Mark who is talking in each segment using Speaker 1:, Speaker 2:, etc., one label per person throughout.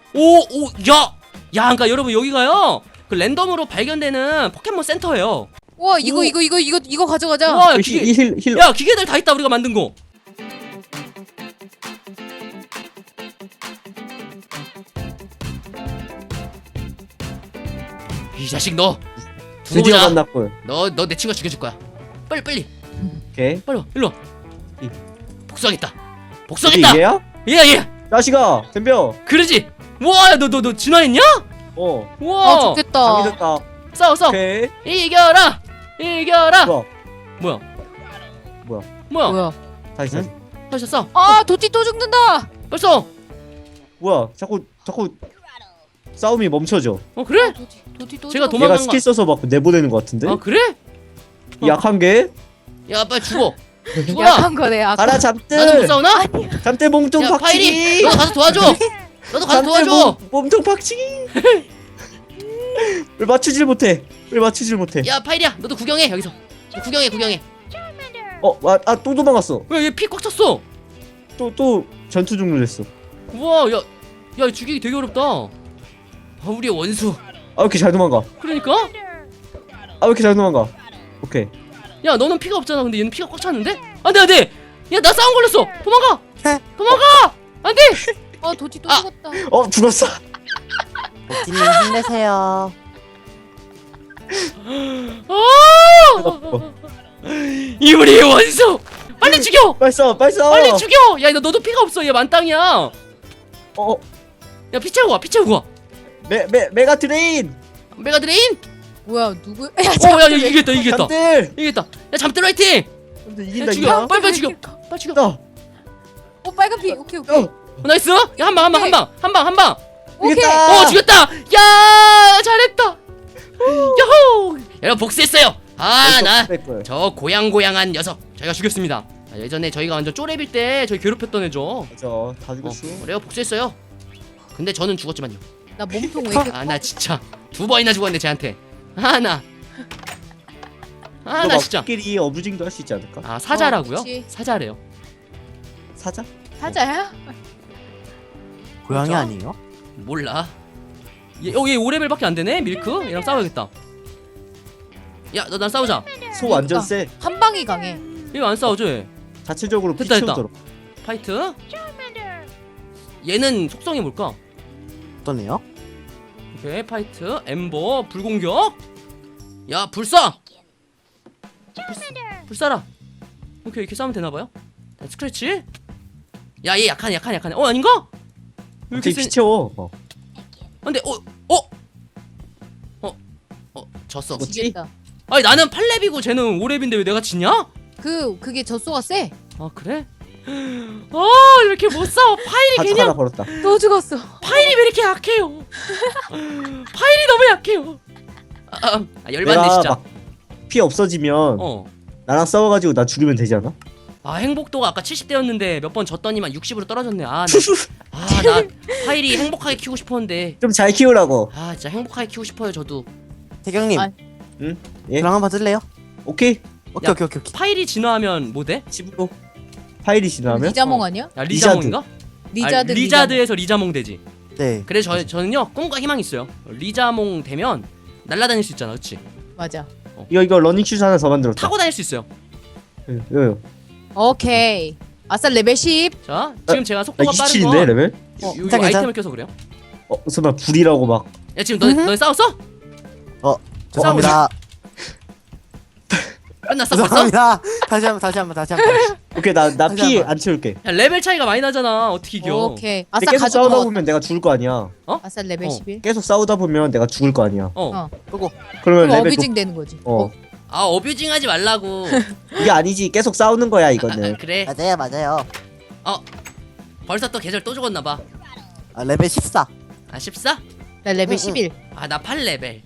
Speaker 1: 그러니까 여러분 여기가요 그 랜덤으로 발견되는 포켓몬 센터예요.
Speaker 2: 와 이거 가져가자.
Speaker 1: 와,
Speaker 3: 힐.
Speaker 1: 야 기계들 다 있다 우리가 만든 거. 이 자식 너 두고
Speaker 3: 드디어
Speaker 1: 보자.
Speaker 3: 만났군.
Speaker 1: 너 내 친구 죽여줄 거야. 빨리
Speaker 3: 오케이.
Speaker 1: 빨리 와 일로 와.
Speaker 3: 이.
Speaker 1: 복수하겠다.
Speaker 3: 이게
Speaker 1: 복수하겠다.
Speaker 3: 얘야?
Speaker 1: 얘
Speaker 3: 자식아, 덤벼.
Speaker 1: 그러지. 와 너 진화했냐?
Speaker 3: 어.
Speaker 2: 아
Speaker 1: 와
Speaker 2: 좋겠다.
Speaker 3: 장기됐다.
Speaker 1: 싸워
Speaker 3: 오케이.
Speaker 1: 이겨라.
Speaker 3: 좋아.
Speaker 1: 뭐야?
Speaker 2: 뭐야?
Speaker 3: 다시.
Speaker 1: 다시 싸.
Speaker 2: 아 도티 또 죽는다.
Speaker 1: 벌써.
Speaker 3: 뭐야? 자꾸 싸움이 멈춰져.
Speaker 1: 그래?
Speaker 2: 도티 또
Speaker 1: 제가
Speaker 2: 죽어.
Speaker 1: 도망간
Speaker 3: 얘가
Speaker 1: 거.
Speaker 3: 스킬 써서 막 내보내는 것 같은데?
Speaker 1: 아 그래?
Speaker 3: 약한 게?
Speaker 1: 야 빨리 죽어. 죽어라.
Speaker 2: 약한 거네. 아까.
Speaker 3: 가라
Speaker 1: 나도 못
Speaker 3: 잠들.
Speaker 1: 싸우나?
Speaker 3: 잠들 몸통
Speaker 1: 야 파이리
Speaker 3: 박치기.
Speaker 1: 너 가서 도와줘. 너도 가서 도와줘.
Speaker 3: 몸통 박치기. 왜 맞추질 못해?
Speaker 1: 야 파이리야 너도 구경해 여기서. 구경해.
Speaker 3: 또 도망갔어.
Speaker 1: 왜 얘 피 꽉 찼어?
Speaker 3: 또 전투 종료됐어.
Speaker 1: 우와 야 죽이기 되게 어렵다. 우리의 원수.
Speaker 3: 왜 이렇게 잘 도망가?
Speaker 1: 그러니까?
Speaker 3: 왜 이렇게 잘 도망가? 오케이.
Speaker 1: 야 너는 피가 없잖아. 근데 얘는 피가 꽉 찼는데? 안돼. 야 나 싸움 걸렸어. 도망가. 안돼.
Speaker 2: 아 도티 또
Speaker 1: 아.
Speaker 2: 죽었다.
Speaker 3: 죽었어.
Speaker 4: 도티님 힘내세요.
Speaker 1: 이 우리의 원수. 빨리 죽여.
Speaker 3: 빨리 써.
Speaker 1: 빨리 죽여. 야 너도 피가 없어. 얘 만땅이야. 야 피 채우고 와.
Speaker 3: 메가 트레인.
Speaker 1: 메가 드레인.
Speaker 2: 뭐야 누구?
Speaker 1: 야 이겼다.
Speaker 3: 잠들.
Speaker 1: 야 잠들 화이팅.
Speaker 3: 잠들
Speaker 1: 야
Speaker 3: 이긴다.
Speaker 1: 죽여. 빨리 죽여.
Speaker 2: 빨간 피. 오케이.
Speaker 1: 나이스. 야 한 방.
Speaker 2: 오케이.
Speaker 3: 이겼다.
Speaker 1: 죽였다. 야 잘했다. 야호. 여러분 복수했어요. 나 저 고양한 녀석 저희가 죽였습니다. 예전에 저희가 완전 쪼렙일 때 저희 괴롭혔던 애죠.
Speaker 3: 맞아. 다 죽었어.
Speaker 1: 그래요 복수했어요. 근데 저는 죽었지만요.
Speaker 2: 나 몸통 왜 이렇게?
Speaker 1: 나 진짜 2번이나 죽었는데 쟤한테. 나 진짜.
Speaker 3: 끼리 어부징도 할 수 있지 않을까?
Speaker 1: 사자라고요?
Speaker 2: 그치.
Speaker 1: 사자래요.
Speaker 3: 사자?
Speaker 2: 사자야?
Speaker 4: 고양이
Speaker 1: 진짜?
Speaker 4: 아니에요?
Speaker 1: 몰라. 얘 5레벨밖에 안 되네. 밀크. 얘랑 싸워야겠다. 야, 난 싸우자.
Speaker 3: 소 완전 세.
Speaker 2: 한 방이 강해.
Speaker 1: 이거 안 싸워줘. 얘.
Speaker 3: 자체적으로 피
Speaker 1: 됐다.
Speaker 3: 채우더라.
Speaker 1: 파이트. 얘는 속성이 뭘까?
Speaker 4: 어떤 애요?
Speaker 1: 오케이, 파이트. 엠버 불공격. 야, 불사. 불사라. 오케이, 이렇게 싸우면 되나 봐요. 스크래치. 야, 얘 약하네. 아닌가? 왜 이렇게
Speaker 3: 피 채워.
Speaker 1: 근데 졌어.
Speaker 3: 뭐지?
Speaker 2: 지겠다.
Speaker 1: 아니 나는 8렙이고 쟤는 5렙인데 왜 내가 지냐?
Speaker 2: 그게 젖소가 세.
Speaker 1: 아 그래? 이렇게 못 싸워. 파일이
Speaker 3: 하나
Speaker 1: 그냥
Speaker 3: 벌었다.
Speaker 2: 또 죽었어.
Speaker 1: 파일이 왜 이렇게 약해요? 파일이 너무 약해요. 열받네 진짜.
Speaker 3: 막 피 없어지면 나랑 싸워가지고 나 죽이면 되지 않아?
Speaker 1: 행복도가 아까 70대였는데 몇 번 졌더니만 60으로 떨어졌네. 나 파일이 행복하게 키우고 싶었는데.
Speaker 3: 좀 잘 키우라고.
Speaker 1: 진짜 행복하게 키우고 싶어요 저도.
Speaker 4: 태경님.
Speaker 3: 응? 예?
Speaker 4: 저랑 한번 받을래요?
Speaker 3: 오케이.
Speaker 4: 오케이.
Speaker 1: 파일이 진화하면 뭐 돼?
Speaker 3: 집으로. 파일이 지나면?
Speaker 2: 리자몽 아니야?
Speaker 1: 리자몽인가?
Speaker 2: 리자드.
Speaker 1: 리자드에서 리자몽 되지.
Speaker 4: 네.
Speaker 1: 그래서 저는요 꿈과 희망이 있어요. 리자몽 되면 날아다닐 수 있잖아, 그렇지?
Speaker 2: 맞아.
Speaker 3: 이거 러닝 슈즈 하나 더 만들었다.
Speaker 1: 타고 다닐 수 있어요.
Speaker 3: 요요.
Speaker 2: 오케이. 아싸 레벨 10.
Speaker 1: 자, 지금 제가
Speaker 3: 나
Speaker 1: 속도가 빠른
Speaker 3: 27인데
Speaker 1: 건
Speaker 3: 레벨?
Speaker 1: 이거
Speaker 4: 괜찮아.
Speaker 1: 아이템을 껴서 그래요.
Speaker 3: 설마 불이라고 막.
Speaker 1: 야 지금 너네 싸웠어?
Speaker 4: 죄송합니다.
Speaker 1: 끝났어 벌써?
Speaker 4: 죄송합니다. 다시 한번.
Speaker 3: 오케이 나 피
Speaker 4: 잠깐만.
Speaker 3: 안 채울게.
Speaker 1: 야 레벨 차이가 많이 나잖아. 어떻게 이겨?
Speaker 2: 오케이.
Speaker 3: 근데
Speaker 2: 아싸
Speaker 3: 계속
Speaker 2: 가져가.
Speaker 3: 싸우다 보면 내가 죽을 거 아니야.
Speaker 2: 아싸 레벨 11.
Speaker 3: 계속 싸우다 보면 내가 죽을 거 아니야.
Speaker 4: 끄고.
Speaker 3: 그러면
Speaker 2: 그럼
Speaker 3: 레벨
Speaker 2: 어뷰징 되는 거지.
Speaker 1: 어뷰징 하지 말라고.
Speaker 3: 이게 아니지. 계속 싸우는 거야 이거는.
Speaker 1: 그래.
Speaker 4: 맞아요.
Speaker 1: 벌써 또 계절 또 죽었나 봐.
Speaker 4: 레벨 14.
Speaker 1: 14?
Speaker 2: 나 레벨
Speaker 4: 응.
Speaker 2: 11.
Speaker 1: 나 8레벨.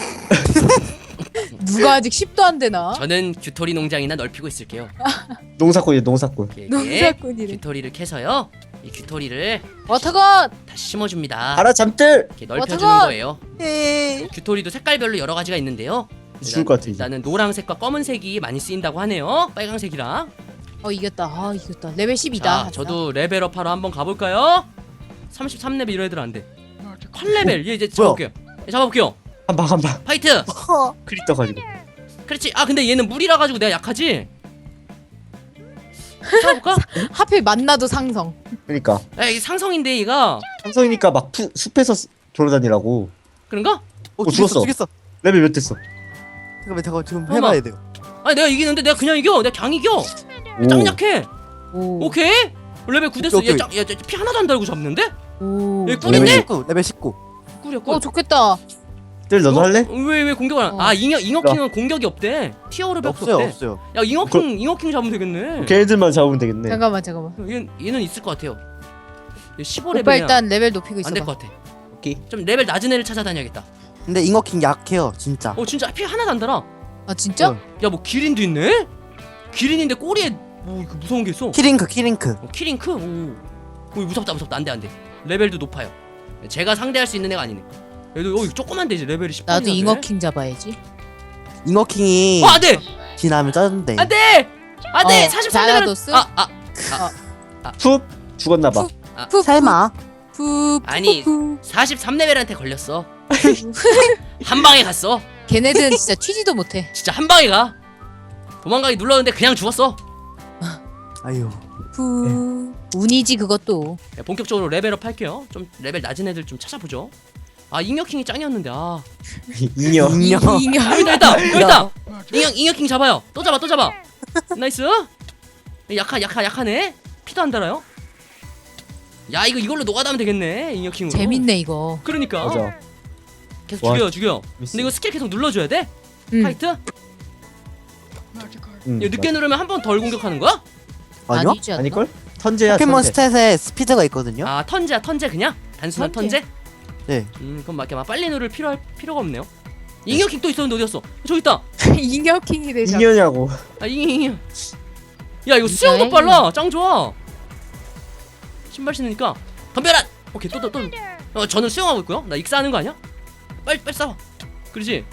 Speaker 2: 누가 아직 10도 안 되나?
Speaker 1: 저는 규토리 농장이나 넓히고 있을게요.
Speaker 3: 농사꾼이야 농사꾼.
Speaker 1: 이렇게
Speaker 2: 농사꾼이래.
Speaker 1: 규토리를 캐서요. 이 규토리를
Speaker 2: 워터건.
Speaker 1: 다시 심어줍니다.
Speaker 3: 가라 잠들.
Speaker 1: 이렇게 넓혀주는
Speaker 2: 어떡하-
Speaker 1: 거예요. 규토리도 색깔별로 여러 가지가 있는데요.
Speaker 3: 죽을 것 같아 이제.
Speaker 1: 일단은 노란색과 검은색이 많이 쓰인다고 하네요. 빨강색이랑.
Speaker 2: 이겼다. 레벨 10이다.
Speaker 1: 자, 저도 레벨업하러 한번 가볼까요? 33레벨 이런 애들 안 돼. 컷레벨. 얘 이제
Speaker 4: 뭐야?
Speaker 1: 잡아볼게요. 얘 잡아볼게요.
Speaker 3: 한방
Speaker 1: 파이트.
Speaker 3: 크립 떠가지고.
Speaker 1: 그렇지. 아 근데 얘는 물이라 가지고 내가 약하지. 잡아볼까?
Speaker 2: 하필 만나도 상성.
Speaker 3: 그러니까
Speaker 1: 야 이게 상성인데 얘가
Speaker 3: 삼성이니까 막 숲에서 돌아다니라고.
Speaker 1: 그런가?
Speaker 3: 죽었어.
Speaker 4: 죽였어.
Speaker 3: 레벨 몇 됐어?
Speaker 4: 잠깐만 지금
Speaker 1: 잠깐만.
Speaker 4: 해봐야 돼요.
Speaker 1: 아니 내가 이기는데 내가 그냥 이겨. 내가 강 이겨. 짱 약해.
Speaker 2: 오.
Speaker 1: 오케이. 레벨 9 됐어.
Speaker 4: 오케이.
Speaker 1: 얘피 하나도 안 달고 잡는데?
Speaker 2: 오.
Speaker 1: 얘
Speaker 4: 레벨
Speaker 1: 꿀인데?
Speaker 4: 19. 레벨 19.
Speaker 1: 꿀이야 꿀.
Speaker 2: 좋겠다.
Speaker 3: 뜰 너도 할래?
Speaker 1: 왜 공격을 안?
Speaker 2: 어.
Speaker 1: 아 잉어킹은 공격이 없대. 티어로밖에
Speaker 4: 없어요
Speaker 1: 없대.
Speaker 4: 없어요.
Speaker 1: 야 잉어킹 잡으면 되겠네.
Speaker 3: 걔네들만 잡으면 되겠네.
Speaker 2: 잠깐만.
Speaker 1: 얘는 있을 것 같아요. 얘 15레벨이야.
Speaker 2: 오빠 일단 레벨 높이고 있어.
Speaker 1: 안 될 것 같아.
Speaker 3: 오케이.
Speaker 1: 좀 레벨 낮은 애를 찾아다녀야겠다.
Speaker 4: 근데 잉어킹 약해요 진짜.
Speaker 1: 진짜 피 하나도 안 달아.
Speaker 2: 아 진짜?
Speaker 4: 어.
Speaker 1: 야 뭐 기린도 있네? 기린인데 꼬리에 뭐 이거 무서운 게 있어.
Speaker 4: 키링크.
Speaker 1: 키링크? 오 무섭다. 안돼. 레벨도 높아요. 제가 상대할 수 있는 애가 아니네. 얘도 이거 조그만데 이제 레벨이 10.
Speaker 2: 나도 잉어킹 잡아야지.
Speaker 4: 잉어킹이
Speaker 1: 안돼.
Speaker 4: 지나면 짜는데.
Speaker 1: 안돼. 43레벨.
Speaker 2: 자라도스?
Speaker 3: 푹 죽었나봐.
Speaker 4: 설마.
Speaker 1: 아니. 43레벨한테 걸렸어. 한 방에 갔어.
Speaker 2: 걔네들은 진짜 튀지도 못해.
Speaker 1: 진짜 한 방에 가. 도망가기 눌렀는데 그냥 죽었어.
Speaker 4: 아유.
Speaker 2: 운이지 그것도.
Speaker 1: 네, 본격적으로 레벨업 할게요. 좀 레벨 낮은 애들 좀 찾아보죠. 잉여킹이 짱이었는데
Speaker 3: 인여.
Speaker 1: 여기다. 잉여킹 잡아요. 또 잡아. 나이스. 약하네. 피도 안 달아요. 야 이걸로 노가다면 되겠네. 잉여킹으로.
Speaker 2: 재밌네 이거.
Speaker 1: 그러니까.
Speaker 3: 맞아.
Speaker 1: 계속
Speaker 3: 와,
Speaker 1: 죽여.
Speaker 3: 재밌어.
Speaker 1: 근데 이거 스킬 계속 눌러줘야 돼. 파이트. 이거 늦게 누르면 한 번 덜 공격하는 거야?
Speaker 4: 아니요?
Speaker 2: 아니지 않나?
Speaker 3: 아닐걸? 턴제야.
Speaker 4: 포켓몬
Speaker 3: 턴제.
Speaker 4: 스탯에 스피드가 있거든요.
Speaker 1: 턴제 그냥? 단순한 턴제?
Speaker 4: 네.
Speaker 1: 그럼 막 빨리 누를 필요가 없네요. 잉여킹 또 있었는데 어디갔어? 저기 있다.
Speaker 2: 잉여킹이 되죠.
Speaker 3: 인여냐고.
Speaker 1: 잉여. 야 이거 수영도 빨라. 짱 좋아. 신발 신으니까 덤벼라. 오케이 또. 저는 수영하고 있고요. 나 익사하는 거 아니야? 빨리 싸워. 그렇지.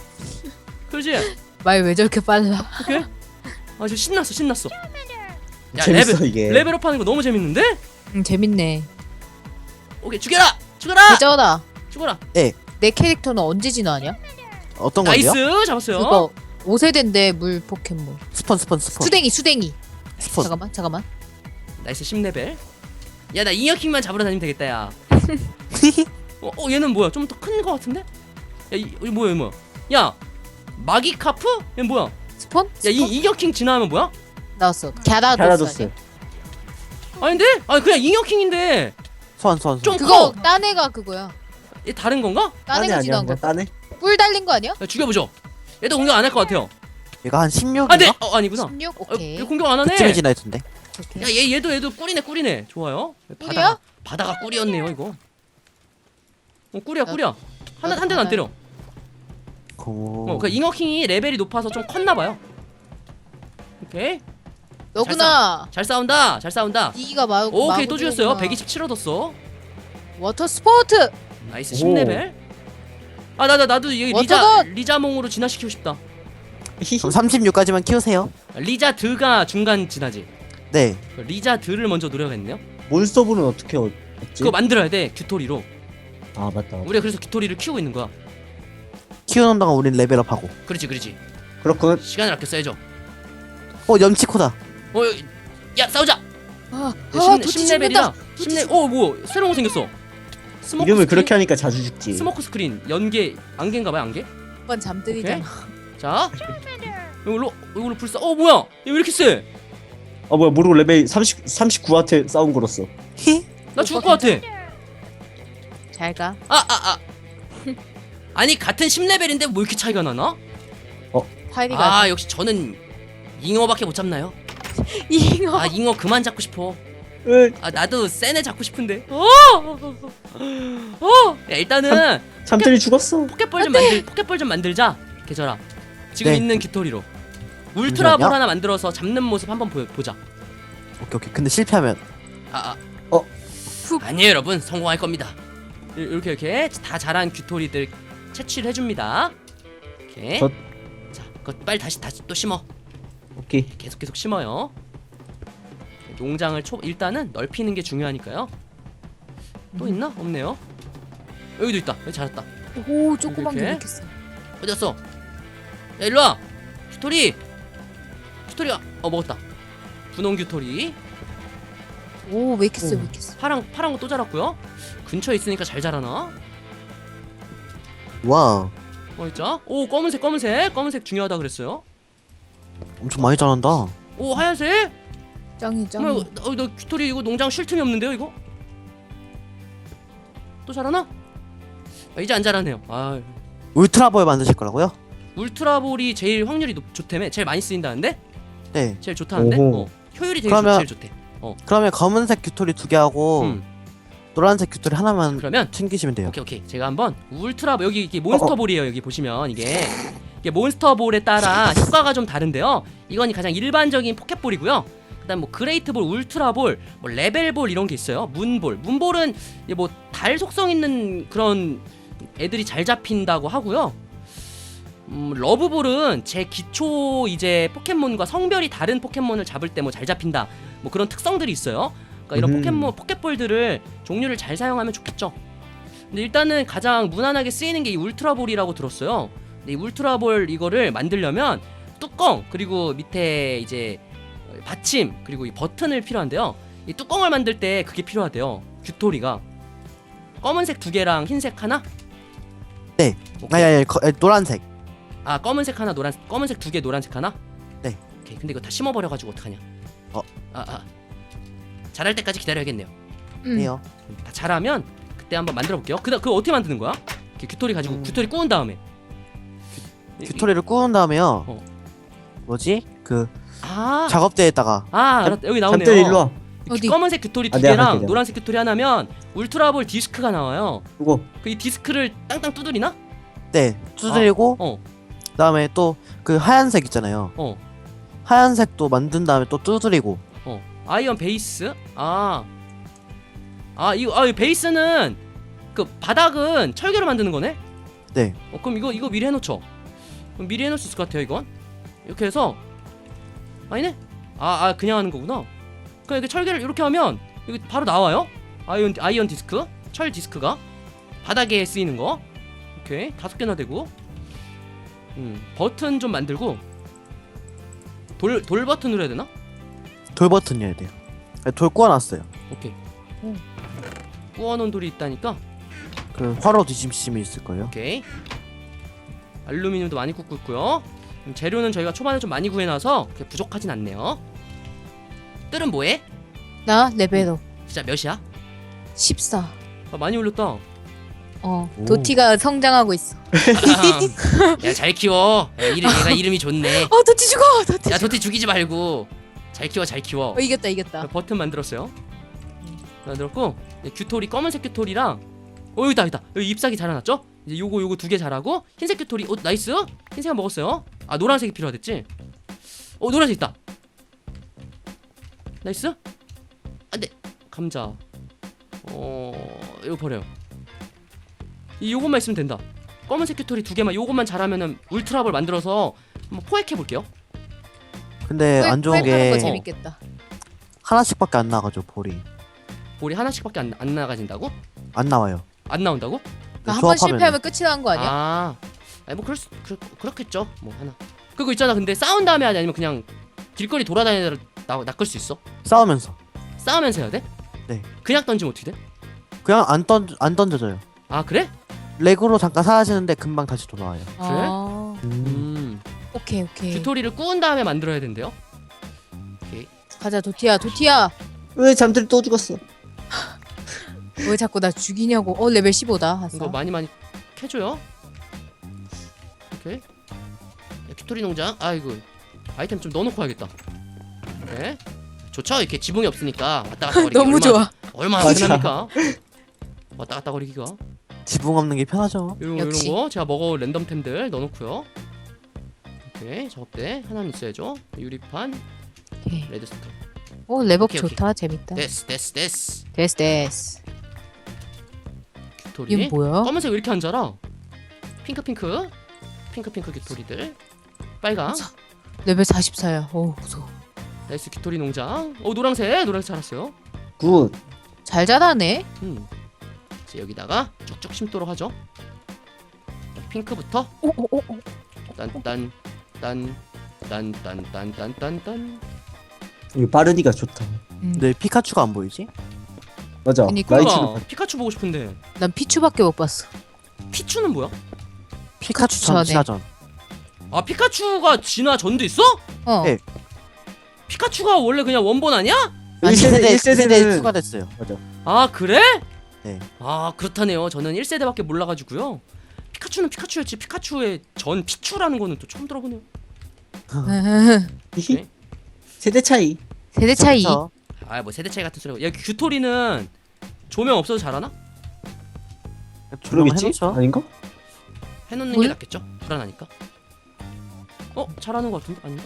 Speaker 2: 말 왜 저렇게 빨라?
Speaker 1: 오케이. 저 신났어. 야
Speaker 3: 재밌어 이게.
Speaker 1: 레벨업 하는 거 너무 재밌는데?
Speaker 2: 재밌네.
Speaker 1: 오케이 죽여라.
Speaker 2: 대저다.
Speaker 1: 죽어라.
Speaker 2: 내 캐릭터는 언제 진화하냐?
Speaker 4: 어떤
Speaker 1: 나이스
Speaker 4: 건데요?
Speaker 1: 잡았어요.
Speaker 2: 그거 5세대인데 물 포켓몬.
Speaker 4: 스폰.
Speaker 2: 수댕이.
Speaker 4: 스폰.
Speaker 2: 잠깐만.
Speaker 1: 나이스 10레벨. 야 나 잉여킹만 잡으러 다니면 되겠다 야. 얘는 뭐야? 좀 더 큰 거 같은데? 야 이거 뭐야? 야 마기카프? 얘 뭐야?
Speaker 2: 스폰?
Speaker 1: 야 잉여킹 진화하면 뭐야?
Speaker 2: 나왔어. 갸라도스.
Speaker 3: 잘라줬어.
Speaker 1: 아닌데? 그냥 잉여킹인데
Speaker 4: 소환.
Speaker 1: 좀
Speaker 2: 그거
Speaker 1: 커.
Speaker 2: 딴 애가 그거야.
Speaker 1: 얘 다른 건가?
Speaker 2: 딴
Speaker 3: 딴애
Speaker 2: 애가
Speaker 3: 아니야.
Speaker 2: 진화한 거.
Speaker 3: 그냥 딴애.
Speaker 2: 뿔 달린 거 아니야?
Speaker 1: 야, 죽여보죠. 얘도 공격 안 할 것 같아요.
Speaker 4: 얘가 한 16인가?
Speaker 1: 안돼. 아니구나.
Speaker 2: 16?
Speaker 1: 얘
Speaker 2: 오케이.
Speaker 1: 공격 안 하네.
Speaker 4: 그쯤에 지나있던데.
Speaker 2: 오케이.
Speaker 1: 야 얘도 꿀이네. 좋아요.
Speaker 2: 꿀이야?
Speaker 1: 바다가 꿀이었네요 이거. 꿀이야. 한
Speaker 2: 나도
Speaker 1: 대는 안
Speaker 2: 바다야.
Speaker 1: 때려. 그 잉어킹이 레벨이 높아서 좀 컸나 봐요. 오케이.
Speaker 2: 너구나.
Speaker 1: 잘 싸운다.
Speaker 2: 니가
Speaker 1: 오케이 또 죽였어요. 127 얻었어.
Speaker 2: 워터 스포츠.
Speaker 1: 나이스
Speaker 3: 오.
Speaker 1: 10레벨. 나도 여기
Speaker 2: 워터건!
Speaker 1: 리자몽으로 진화시키고 싶다.
Speaker 4: 그럼 36까지만 키우세요.
Speaker 1: 리자드가 중간 진화지.
Speaker 4: 네.
Speaker 1: 리자드를 먼저 노려야겠네요.
Speaker 3: 몬스터분은 어떻게 얻지?
Speaker 1: 그거 만들어야 돼 규토리로.
Speaker 3: 아 맞다.
Speaker 1: 우리가 그래서 규토리를 키우고 있는 거야.
Speaker 4: 키우는 동안 우린 레벨업하고.
Speaker 1: 그렇지.
Speaker 3: 그렇군.
Speaker 1: 시간을 아껴 써야죠.
Speaker 4: 염치코다.
Speaker 1: 야 싸우자.
Speaker 2: 도치 죽는다.
Speaker 1: 10레벨이다. 뭐 새로운 거 생겼어. 스모크
Speaker 3: 이름을
Speaker 1: 스크린?
Speaker 3: 그렇게 하니까 자주 죽지.
Speaker 1: 스모크 스크린 안개인가봐요 안개.
Speaker 2: 오빠 잠들이잖아.
Speaker 1: 자 이걸로 불사. 뭐야 얘 왜 이렇게 세?
Speaker 3: 뭐야 모르고 레벨 39한테 싸움 걸었어.
Speaker 1: 나 죽을 것 같아.
Speaker 2: 잘 가.
Speaker 1: 아니 같은 10레벨인데 뭐 이렇게 차이가 나나?
Speaker 2: 파이리가.
Speaker 1: 역시 저는 잉어밖에 못 잡나요?
Speaker 2: 잉어.
Speaker 1: 잉어 그만 잡고 싶어. 나도 센애 잡고 싶은데. 야, 일단은
Speaker 3: 잠들이 죽었어.
Speaker 1: 포켓볼 좀 만들자. 계절아. 지금
Speaker 4: 네.
Speaker 1: 있는 깃토리로 울트라볼
Speaker 4: 잠시만요.
Speaker 1: 하나 만들어서 잡는 모습 한번 보자.
Speaker 4: 오케이. 근데 실패하면
Speaker 1: 아니에요 여러분, 성공할 겁니다. 이렇게 다 자란 깃토리들 채취를 해줍니다. 오케이. 자, 그거 빨리 다시 또 심어.
Speaker 3: 오케이.
Speaker 1: 계속 심어요. 농장을 일단은 넓히는 게 중요하니까요. 또 있나? 없네요. 여기도 있다. 여기 잘했다.
Speaker 2: 오 조그만 게
Speaker 1: 이렇게?
Speaker 2: 이렇게 써.
Speaker 1: 어디 갔어? 야 일로와. 규토리. 규토리가 먹었다. 분홍 규토리.
Speaker 2: 오왜 이렇게 써?
Speaker 3: 오.
Speaker 2: 왜 이렇게 써?
Speaker 1: 파란 거 또 자랐고요. 근처에 있으니까 잘 자라나?
Speaker 4: 와,
Speaker 1: 있자. 오 검은색 중요하다 그랬어요.
Speaker 4: 엄청 많이 자란다.
Speaker 1: 오 하얀색.
Speaker 2: 짱이 짱.
Speaker 1: 너 규토리 이거 농장 쉴 틈이 없는데요 이거? 또 자라나? 이제 안 자라네요. 아
Speaker 4: 울트라볼 만드실 거라고요?
Speaker 1: 울트라볼이 제일 확률이 좋다며? 제일 많이 쓰인다는데?
Speaker 4: 네.
Speaker 1: 제일 좋다는데?
Speaker 3: 오호.
Speaker 1: 효율이
Speaker 4: 그러면-
Speaker 1: 제일 좋대.
Speaker 4: 그러면 검은색 규토리 2개 하고 노란색 규토리 하나만
Speaker 1: 그러면
Speaker 4: 챙기시면 돼요.
Speaker 1: 오케이 제가 한번 울트라볼 여기 이게 몬스터볼이에요. 여기 보시면 이게 몬스터볼에 따라 효과가 좀 다른데요. 이건 가장 일반적인 포켓볼이고요. 그다음 뭐 그레이트볼, 울트라볼, 뭐 레벨볼 이런 게 있어요. 문볼은 이제 뭐 달 속성 있는 그런 애들이 잘 잡힌다고 하고요. 러브볼은 제 기초 이제 포켓몬과 성별이 다른 포켓몬을 잡을 때 뭐 잘 잡힌다. 뭐 그런 특성들이 있어요. 그러니까 이런 포켓볼들을 종류를 잘 사용하면 좋겠죠. 근데 일단은 가장 무난하게 쓰이는 게 이 울트라볼이라고 들었어요. 근데 이 울트라볼 이거를 만들려면 뚜껑 그리고 밑에 이제 받침 그리고 이 버튼을 필요한데요. 이 뚜껑을 만들 때 그게 필요하대요. 규토리가 검은색 2개랑 흰색 하나?
Speaker 4: 네.
Speaker 1: 오케이.
Speaker 4: 노란색.
Speaker 1: 아 검은색 하나 검은색 2개 노란색 하나?
Speaker 4: 네.
Speaker 1: 오케이. 근데 이거 다 심어버려가지고 어떡하냐? 자랄 때까지 기다려야겠네요.
Speaker 4: 해요.
Speaker 1: 다 자라면 그때 한번 만들어볼게요. 그거 어떻게 만드는 거야? 이렇게 규토리 가지고 규토리 구운 다음에
Speaker 4: 규토리를 구운 다음에요.
Speaker 1: 어.
Speaker 4: 뭐지? 그
Speaker 1: 아
Speaker 4: 작업대에다가
Speaker 1: 알았다. 여기 나오네요.
Speaker 3: 잠들 일로 와.
Speaker 2: 어디?
Speaker 1: 검은색 규토리
Speaker 3: 아, 내가
Speaker 1: 2개랑
Speaker 3: 할게, 내가.
Speaker 1: 노란색 규토리 하나면 울트라볼 디스크가 나와요.
Speaker 3: 이거
Speaker 1: 그 이 디스크를 땅땅 두드리나?
Speaker 4: 네 두드리고
Speaker 1: 어.
Speaker 4: 그다음에 또 그 하얀색 있잖아요.
Speaker 1: 어.
Speaker 4: 하얀색도 만든 다음에 또 두드리고.
Speaker 1: 아이언 베이스? 이 베이스는 그 바닥은 철개로 만드는 거네?
Speaker 4: 네.
Speaker 1: 그럼 이거 미리 해놓죠. 그럼 미리 해놓을 수 있을 것 같아요. 이건 이렇게 해서 아니네? 그냥 하는 거구나. 그냥 이렇게 철개를 이렇게 하면 여기 바로 나와요. 아이언 디스크, 철 디스크가 바닥에 쓰이는 거. 오케이 5개나 되고. 버튼 좀 만들고 돌 버튼으로 해야 되나?
Speaker 4: 돌 버튼이어야 돼요. 돌 구워놨어요.
Speaker 1: 오케이. 구워놓은 돌이 있다니까.
Speaker 4: 그 화로 뒤집심이 있을 거예요.
Speaker 1: 오케이. 알루미늄도 많이 굽고 있고요. 재료는 저희가 초반에 좀 많이 구해놔서 그렇게 부족하진 않네요. 뜰은 뭐해?
Speaker 2: 나 레벨업
Speaker 1: 진짜 몇이야?
Speaker 2: 14.
Speaker 1: 많이 올렸다.
Speaker 4: 오.
Speaker 2: 도티가 성장하고 있어.
Speaker 1: 야 잘 키워. 얘가 이름이 좋네.
Speaker 2: 도티 죽어. 도티.
Speaker 1: 야 도티 죽이지 말고 잘 키워.
Speaker 2: 이겼다.
Speaker 1: 버튼 만들었어요. 만들었고 규토리 검은색 규토리랑 여기다 여기 잎사귀 자라났죠? 이제 요거 2개 자라고 흰색 규토리 나이스. 흰색 먹었어요. 노란색이 필요하댔지? 노란색 있다. 나이스. 안돼 감자. 이거 버려요. 요것만 있으면 된다. 검은색 규토리 2개만 요것만 잘하면은 울트라볼 만들어서 한번 포획해 볼게요.
Speaker 4: 근데 안 좋은
Speaker 2: 거
Speaker 4: 게
Speaker 2: 재밌겠다.
Speaker 4: 하나씩밖에 안 나가죠.
Speaker 1: 볼이 하나씩밖에 안 나가진다고?
Speaker 4: 안 나와요.
Speaker 1: 안 나온다고?
Speaker 2: 한 번 실패하면 끝이 나는 거 아니야?
Speaker 1: 뭐 그렇겠죠. 뭐 하나. 그거 있잖아. 근데 싸운 다음에 하냐 아니면 그냥 길거리 돌아다니다가 낚을 수 있어?
Speaker 4: 싸우면서.
Speaker 1: 싸우면서 해야 돼?
Speaker 4: 네.
Speaker 1: 그냥 던지면 어떻게 돼?
Speaker 4: 그냥 안 던져져요.
Speaker 1: 그래?
Speaker 4: 렉으로 잠깐 사라지는데 금방 다시 돌아와요.
Speaker 2: 오케이.
Speaker 1: 규토리를 구운 다음에 만들어야 된대요.
Speaker 2: 가자 도티야.
Speaker 3: 왜 잠들 또 죽었어?
Speaker 2: 왜 자꾸 나 죽이냐고. 레벨 15다.
Speaker 1: 이거 많이 캐줘요. 오케이. 야, 규토리 농장. 이거 아이템 좀 넣어놓고 와야겠다. 네. 좋죠. 이렇게 지붕이 없으니까 왔다 갔다 거리기
Speaker 2: 너무 좋아.
Speaker 1: 얼마나
Speaker 3: 맞아.
Speaker 1: 편합니까? 왔다 갔다 거리기가.
Speaker 4: 지붕 없는 게 편하죠.
Speaker 1: 이런
Speaker 2: 역시.
Speaker 1: 거 제가 먹어올 랜덤템들 넣어놓고요. 오케이 작업대 하나는 있어야죠. 유리판,
Speaker 2: 오케이.
Speaker 1: 레드스톤.
Speaker 2: 레벨업
Speaker 1: 오케이.
Speaker 2: 좋다. 재밌다.
Speaker 1: 데스.
Speaker 2: 데스.
Speaker 1: 규토리.
Speaker 2: 이건 뭐야?
Speaker 1: 검은색 왜 이렇게 안 자라? 핑크 규토리들. 빨강.
Speaker 2: 레벨 44야. 무서워.
Speaker 1: 나이스 규토리 농장. 노란색 자랐어요.
Speaker 3: 굿.
Speaker 2: 잘 자라네.
Speaker 1: 이제 여기다가 쭉쭉 심도록 하죠. 핑크부터
Speaker 2: 오오오.
Speaker 1: 딴딴딴딴딴딴딴딴.
Speaker 3: 이거 빠르니까 좋다.
Speaker 4: 네 피카츄가 안 보이지?
Speaker 3: 맞아.
Speaker 2: 그니까.
Speaker 3: 라이치는
Speaker 1: 뭐야? 피카츄 보고 싶은데.
Speaker 2: 난 피추밖에 못 봤어.
Speaker 1: 피추는 뭐야?
Speaker 4: 피카츄
Speaker 2: 전에.
Speaker 4: 전 진화전.
Speaker 1: 아 피카츄가 진화 전도 있어?
Speaker 2: 어.
Speaker 4: 네.
Speaker 1: 피카츄가 원래 그냥 원본 아니야?
Speaker 4: 아니
Speaker 3: 1세대
Speaker 4: 1세대에
Speaker 3: 1세대는
Speaker 4: 추가됐어요.
Speaker 3: 맞아.
Speaker 1: 아 그래?
Speaker 4: 네.
Speaker 1: 아 그렇다네요. 저는 1세대밖에 몰라가지고요. 피카츄는 피카츄였지 피카츄의 전 피추라는 거는 또 처음 들어보네요.
Speaker 3: 히히. 세대 차이.
Speaker 2: 세대 차이.
Speaker 4: 그쵸?
Speaker 1: 아 뭐 세대 차이 같은 소리고. 야 규토리는 조명 없어도 잘하나?
Speaker 4: 조명
Speaker 3: 그러겠지?
Speaker 4: 해놓죠.
Speaker 3: 아닌가?
Speaker 1: 해놓는
Speaker 2: 뭘?
Speaker 1: 게 낫겠죠? 불안하니까. 잘하는 거 같은데 아닌가?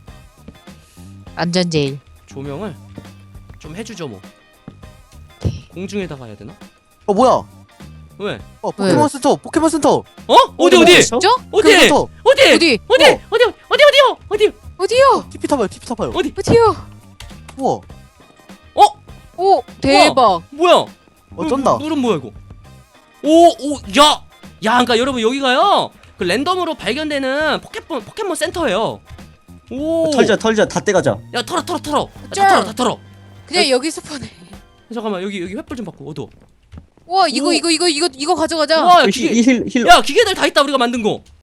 Speaker 2: 안전 제일.
Speaker 1: 조명을 좀 해주죠 뭐. 공중에다가 해야 되나?
Speaker 4: 어 뭐야?
Speaker 1: 왜?
Speaker 4: 포켓몬 센터. 포켓몬 센터.
Speaker 1: 어디 어디?
Speaker 2: 진짜?
Speaker 1: 어디?
Speaker 4: 센터.
Speaker 1: 어디?
Speaker 2: 어디?
Speaker 1: 어디요?
Speaker 2: 어디요?
Speaker 4: TP 타봐요. TP 타봐요.
Speaker 1: 어디?
Speaker 2: 어디요?
Speaker 4: 우와.
Speaker 2: 오 대박.
Speaker 1: 뭐야?
Speaker 4: 어쩐다.
Speaker 1: 물은 뭐야 이거? 야, 그러니까 여러분 여기가요. 그 랜덤으로 발견되는 포켓몬 센터예요. 오.
Speaker 3: 털자 다 떼가자.
Speaker 1: 야 털어.
Speaker 2: 짱.
Speaker 1: 다 털어.
Speaker 2: 그냥 여기 스폰해.
Speaker 1: 잠깐만 여기 횃불 좀 바꿔. 어두워.
Speaker 2: 와 이거
Speaker 1: 오.
Speaker 2: 이거 가져가자.
Speaker 1: 와 기계.
Speaker 3: 힐
Speaker 1: 야 기계들 다 있다 우리가 만든 거.